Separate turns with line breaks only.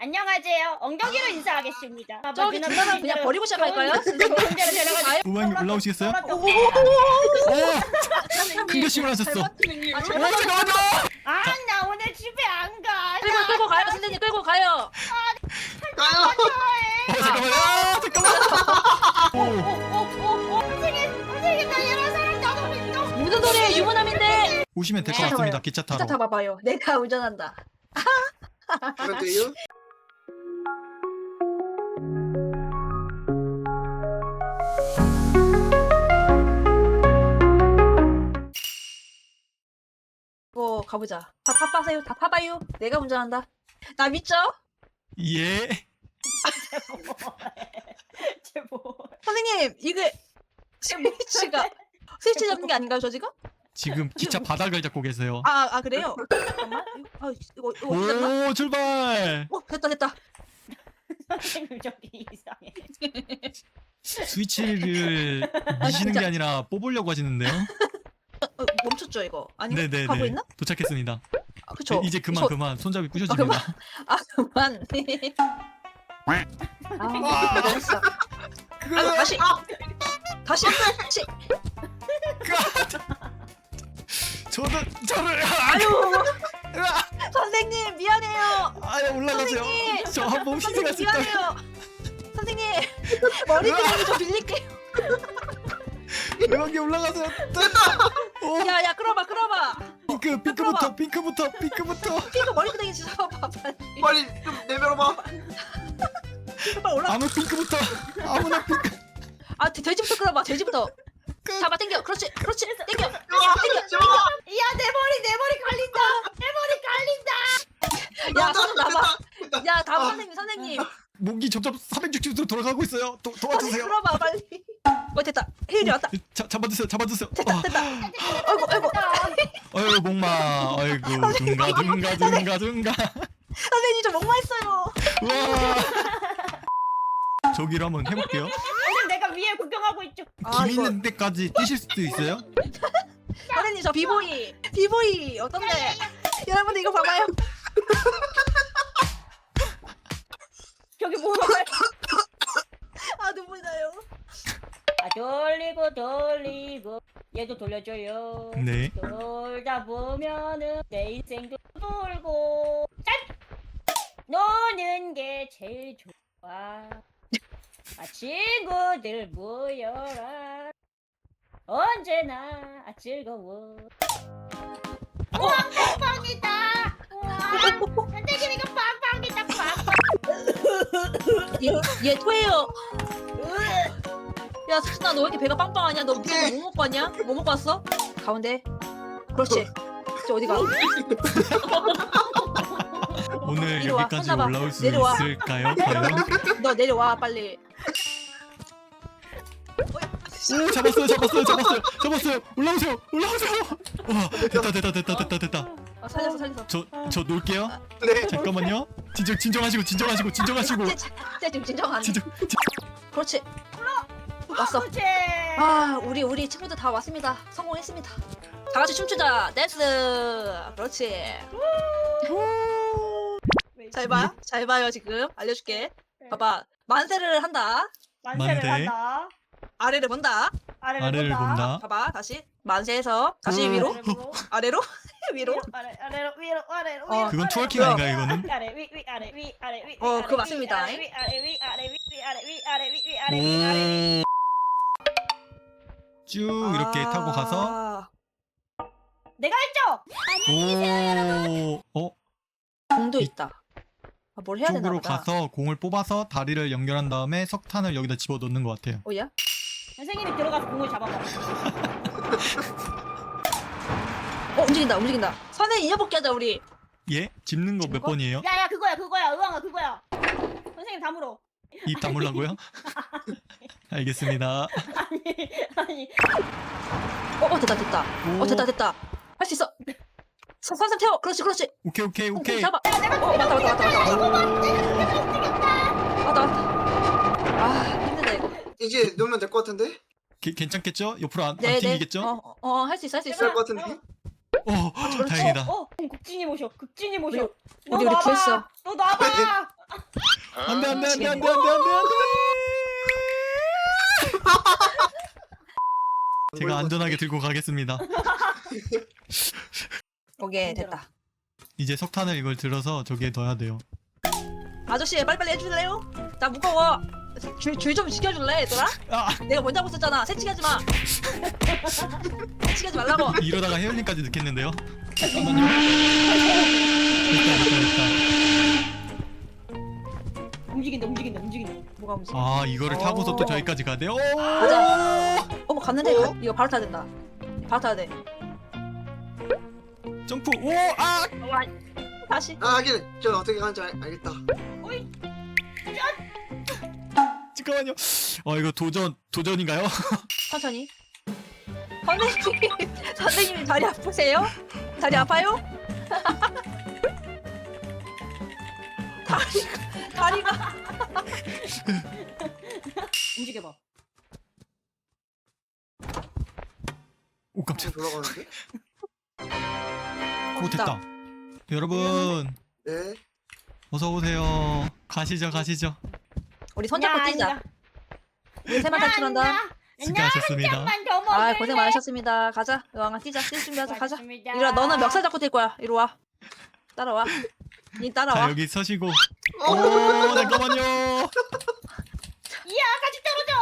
안녕하세요. 엉덩이로 인사하겠습니다.
저기 두 사람 그냥 버리고 시작할까요?
우방님 올라오시겠어요? 큰 결심을 하셨어. 잠깐만요.
아, 나 오늘 집에 안 가.
끌고 가요, 선생님 끌고 가요.
잠깐만요.
선생님, 나 이런 사람 나도 믿어.
무슨 소리예요? 유부남인데.
오시면 될 것
네.
같습니다. 기차 타러.
기차 타봐봐요. 내가 운전한다.
그런데요?
가보자. 다 파봐세요. 다 파봐요. 내가 운전한다. 나 믿죠?
예.
제보.
선생님 이게 스위치 잡는 게 아닌가요, 저 지금?
지금 기차 바닥을 잡고 계세요.
아 그래요? 잠깐만. 이거 됐나?
오 출발.
됐다.
선생님 저기 이상해.
스위치를 미시는 게 아니라 뽑으려고 하시는데요.
멈췄죠 이거? 아닌가?
네네네.
가고 있나?
도착했습니다.
그쵸.
이제 그만 손잡이 부셔집니다.
그만. 잘했어. 아이고, 다시.
저를
선생님 미안해요.
올라가세요.
선생님!
저 한 번 희생할 수 있다.
미안해요. 선생님 머리끄댕이 좀 빌릴게요.
여기 올라가세요.
야 끌어봐.
핑크부터.
핑크 머리끄댕이 좀 잡아봐 빨리.
빨리 좀 내밀어봐.
핑크 빨리 올라.
아무 핑크부터. 아무나 핑크.
돼지부터 끌어봐. 돼지부터. 잡아 당겨. 그렇지. 당겨.
잡아.
야, 내 머리 갈린다. 내 머리 갈린다.
야 손 놔봐. 야 다음 선생님.
목이 점점 360도로 돌아가고 있어요. 도와주세요.
끌어봐 빨리. 됐다. 힐이 왔다.
잡아주세요.
됐다. 아이고.
아이고 목마. 아이고 둥가.
선생님 저 목마했어요.
우와. 저기로 한번 해볼게요.
선생님 내가 위에 구경하고 있죠.
김 있는 데까지 뛰실 수도 있어요?
선생님 저 비보이 어떤데? 여러분들 이거 봐봐요.
저기 뭐야?
눈물 나요.
돌리고 얘도 돌려줘요.
네.
돌다 보면은 내 인생도 돌고 짠! 노는 게 제일 좋아. 친구들 모여라. 언제나 즐거워. 우와, 빵빵이다. 우와, 선생님 이거 빵빵이다.
얘 토해요. 야 수진아 너 왜 이렇게 배가 빵빵하냐? 너
오케이.
뭐 먹고 왔냐? 뭐 먹고 왔어? 가운데. 그렇지. 저 어디가?
오늘
이리 와,
여기까지
혼나봐.
올라올 수
내려와.
있을까요? 과연?
너 내려와 빨리.
오 잡았어요. 올라오세요. 와 됐다.
살렸어.
저 놀게요.
네.
잠깐만요. 진정하시고.
지금 진정한.
진정.
그렇지. 왔어.
그렇지.
우리 친구들 다 왔습니다. 성공했습니다. 다 같이 춤추자. 댄스. 그렇지. 잘 봐요 지금. 알려줄게. 봐봐. 만세를 한다.
만세를
만세.
한다.
아래를 본다.
아래를 본다.
봐봐. 다시 만세해서 다시 위로. 아래로. 위로.
아래로 위로.
그건 트월킹 아닌가요 이거는?
아래 위 아래 위 아래 위.
그거 맞습니다.
아래 위 아래 위 아래 위.
쭉 이렇게 타고 가서
내가 했죠.
공도 있다. 뭘 해야 되나
쪽으로
보다.
가서 공을 뽑아서 다리를 연결한 다음에 석탄을 여기다 집어넣는 것 같아요.
야?
선생님이 들어가서 공을 잡아봐.
움직인다. 선생님 이어복귀 하자 우리.
예? 짚는 거 몇
거?
번이에요?
야야 그거야. 의왕아 그거야. 선생님 다물어.
입 다물라고요? 알겠습니다.
아니.
됐다. 됐다. 할 수 있어. 선생님 태워. 그렇지.
오케이.
잡아. 맞다. 힘들다 이거.
이제 넣으면 될 것 같은데?
괜찮겠죠? 옆으로 안
네.
튕기겠죠?
할 수 있어.
될 것 같은데?
다행이다.
극진이 모셔.
우리
너
구했어.
놔봐. 너 놔봐.
안돼 안돼 안돼
미치겠네.
안돼 안돼 안돼 안돼. 제가 안전하게 들고 가겠습니다.
오케이 됐다.
이제 석탄을 이걸 들어서 저기에 넣어야 돼요.
아저씨 빨리빨리 해줄래요? 나 무거워. 줄 좀 지켜줄래 얘들아?
아
내가 먼저 하고 있었잖아. 새치기하지 마. 새치기하지 말라고.
이러다가 헤어링까지 넣겠는데요? 잠깐만요. 됐다.
움직인다 움직인다 움직인다.
뭐가 움직여?
아 이거를 타고서 또 저기까지 가야 돼요?
가자. 어머 갔는데
어?
이거 바로 타야 된다. 바로 타야 돼.
점프. 오 아.
와, 다시.
아 하긴 저 어떻게 가는지 알겠다.
어이.
잠깐만요. 이거 도전인가요?
천천히. 선생님, 선생님 다리 아프세요? 다리 아파요? 다리가
움직여봐.
오 깜짝.
지금 돌아가는데?
오 됐다. 여러분
네.
어서 오세요. 가시죠 가시죠.
우리 손잡고 뛰자. 우리 세만 탈출한다.
수고하셨습니다.
한잔만 더 먹을래?
아 고생 많으셨습니다. 가자. 여왕아 뛰자. 뛸 준비하자. 가자.
고맙습니다.
이리 와. 너는 멱살 잡고 뛸 거야. 이리 와. 따라와. 니
자
따라와.
여기 서시고. 오 잠깐만요.
이야 같이 떨어져.